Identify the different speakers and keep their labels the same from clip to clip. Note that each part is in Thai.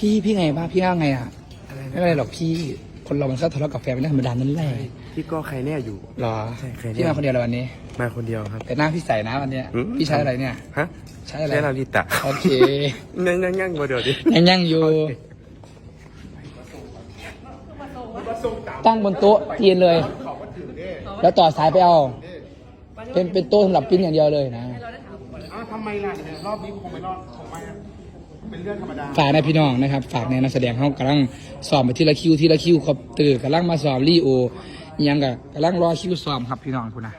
Speaker 1: พี่ไงบ้างพี่ว่าไงอ่ะ
Speaker 2: อะไร
Speaker 1: ไม่เป็นไรหรอกพี่คนเรามันชอบทะเลาะกับแฟนเป็นเรื่องธรรมดานั่นแหละ
Speaker 2: พี่ก็ใครแน่อยู่
Speaker 1: หรอ
Speaker 2: ใช่ใครแน่
Speaker 1: พี่มาคนเดียวเลยวันนี้
Speaker 2: มาคนเดียวครับ
Speaker 1: แต่หน้าพี่ใสนะวันเนี้ย
Speaker 2: อืม
Speaker 1: พี่ใช้อะไรเนี่ย
Speaker 2: ฮะ
Speaker 1: ใช้อะไร
Speaker 2: ใช่ลาลิตะ
Speaker 1: โอเค
Speaker 2: งั้งมาเดี๋ยวดิ
Speaker 1: ยังอยู่ตั้งบนโต๊ะเตียนเลย แล้วต่อสายไปเอาเป็นโต๊ะสำหรับปิ้นอย่างเดียวเลยนะ
Speaker 2: ทำไมล่ะเนี่ยรอบนี้คงไม่รอดคงไม่เป็นเรื่องธรรมดา
Speaker 1: ฝากในพี่น้องนะครับฝากในนักแสดงเขากำลังสอบไปทีละคิวครับตื่นกำลังมาสอบรีโอยังกำลังรอคิวสอบครับพี่น้องคุณนะ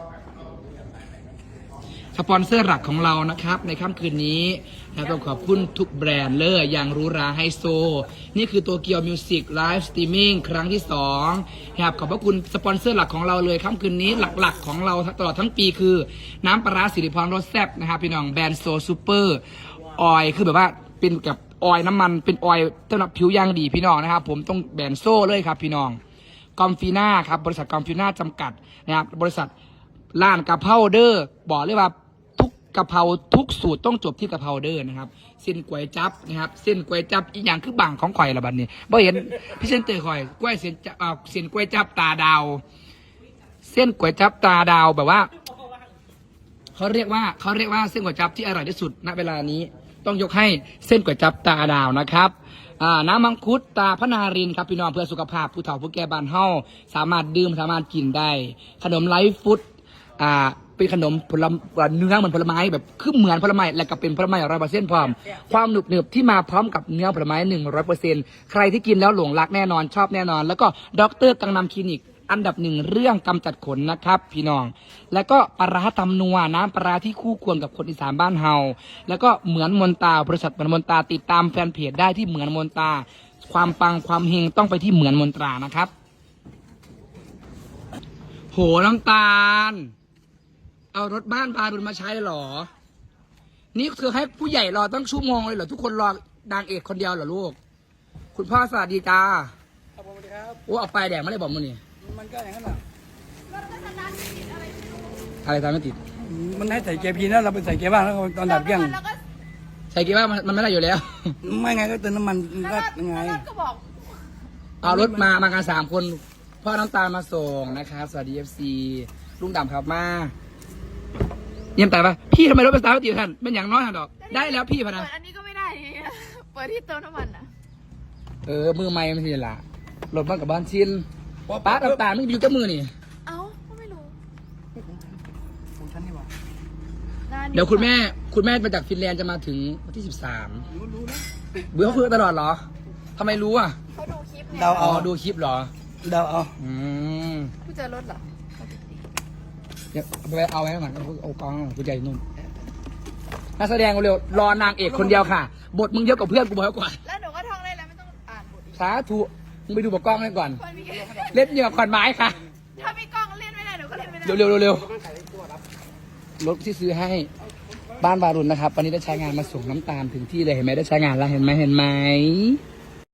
Speaker 1: สปอนเซอร์หลักของเรานะครับในค่ำคืนนี้นะต้องขอบคุณทุกแบรนด์เลยอย่างหรูหราไฮโซนี่คือตัวเกียวมิวสิกไลฟ์สตรีมมิ่งครั้งที่2ครับขอบพระคุณสปอนเซอร์หลักของเราเลยค่ำคืนนี้หลักๆของเราตลอดทั้งปีคือน้ำปลาร้าสิริพรรสแซ่บนะครับพี่น้องแบรนด์โซซูเปอร์ออยคือแบบว่าเป็นกับออยน้ำมันเป็นออยสำหรับผิวย่างดีพี่น้องนะครับผมต้องแบรนด์โซ่เลยครับพี่น้องกอมฟีน่าครับบริษัทกอมฟีน่าจำกัดนะครับบริษัทร้านกะเพราเดอร์บอกเลยว่ากะเพราทุกสูตรต้องจบที่กะเพราเดอร์นะครับเส้นก๋วยจั๊บนะครับเส้นก๋วยจั๊บอีกอย่างคือบังของข่อยละบัดนี้บ่เห็นพี่เส้นเตยข่อยก๋วยเส้นเส้นก๋วยจั๊บตาดาวเส้นก๋วยจั๊บตาดาวแบบว่าเขาเรียกว่าเส้นก๋วยจั๊บที่อร่อยที่สุดณเวลานี้ต้องยกให้เส้นก๋วยจั๊บตาดาวนะครับน้ำมังคุดตาพนารินครับพี่น้องเพื่อสุขภาพผู้เฒ่าผู้แก่บ้านเฮาสามารถดื่มสามารถกินได้ขนมไลฟ์ฟุตเป็นขนมผลไม้เนื้อเหมือนผลไม้แบบคือเหมือนผลไม้และก็เป็นผลไม้100%พร้อมความหนึบที่มาพร้อมกับเนื้อผลไม้100%ใครที่กินแล้วหลงรักแน่นอนชอบแน่นอนแล้วก็ดร.กังนำคลินิกอันดับ1เรื่องกำจัดขนนะครับพี่น้องแล้วก็ปลาร้าตำนัวน้ำปลาร้าที่คู่ควรกับคนอีสานบ้านเฮาแล้วก็เหมือนมนตาบริษัทเหมือนมนตาติดตามแฟนเพจได้ที่เหมือนมนตาความปังความเฮงต้องไปที่เหมือนมนตรานะครับโหน้ำตาลเอารถบ้านพาดุลมาใช้เหรอนี่คือให้ผู้ใหญ่รอตั้งชั่วโมงเลยเหรอทุกคนรอนางเอกคนเดียวเหรอลูกคุณพ่อสวัสดีจ้า
Speaker 2: ครับผมครับ
Speaker 1: โอ้เอาไปแดงไม่ได้บอกมึงนี่
Speaker 2: มันก็อย่างนั้นแหละ
Speaker 1: อะไรตามไม่ติด
Speaker 2: มันให้ใส่เกียร์พีนะเราไปใส่เกียร์บ้างแล้วตอนดับเครื่อง
Speaker 1: ใส่กี่ว่ามันไม่ได้อยู่แล้ว
Speaker 2: ไม่ไงก็เติมน้ำมันก็ยังไง
Speaker 3: ก็บอก
Speaker 1: เอารถมากัน3 คนพ่อน้ำตาลมาส่งนะครับสวัสดีFCลุงดำครับมาเยี่ยมแต่ปะพี่ทำไมรถเป็นสตาร์ทไม่ติดท่านเป็นอย่างน้อยฮะดอกได้แล้วพี่พะนะ
Speaker 3: เปิดอันนี้ก็ไม่ได้ เปิดที่เติมน้ำมันอ่ะ
Speaker 1: มือไม้ไม่ใช่ละรถบ้านกับบ้านชินป้าน้ำตาลไม่อยู่กับมือนี่
Speaker 3: เอ้าก็ไม่รู้
Speaker 2: ของฉันนี่หว่า
Speaker 1: เดี๋ยวคุณแม่มาจากฟินแลนด์จะมาถึงวันที่13
Speaker 2: รู้นะ
Speaker 1: เบื่อเขาคุยกันตลอดเหรอทำไมรู้อ่ะ
Speaker 3: เขาดูคลิปเนี่ย
Speaker 2: เดา
Speaker 1: อ๋อ
Speaker 2: เอา
Speaker 1: ดูคลิปเหรอ
Speaker 2: เดาเอา
Speaker 3: ผู้เจอรถเหรอ
Speaker 1: เดี๋ยวไปเอาไว้ก่อนเอากองกูใจนุ่มนักแสดงเร็วรอนางเอกคนเดียวค่ะ บทมึงเยอะกว่าเพื่อนกูบอกก่อน
Speaker 3: แล้วหนูก็ท่องได้แล้วไม่ต้องอ่านบทอีก
Speaker 1: สาธุมึงไปดูบทกล้องกันก่อน
Speaker 3: มันมี
Speaker 1: เล่นเหยื่อขอนไม้ค่ะ
Speaker 3: ถ้ามีกล้องเล่นไม่ได้หนูก็เล่นไม่ได้
Speaker 1: เร็วรถที่ซื้อให้บ้านวารุณนะครับวันนี้ได้ใช้งานมาส่งน้ำตาลถึงที่เลยเห็นไหมได้ใช้งานแล้วเห็นไหม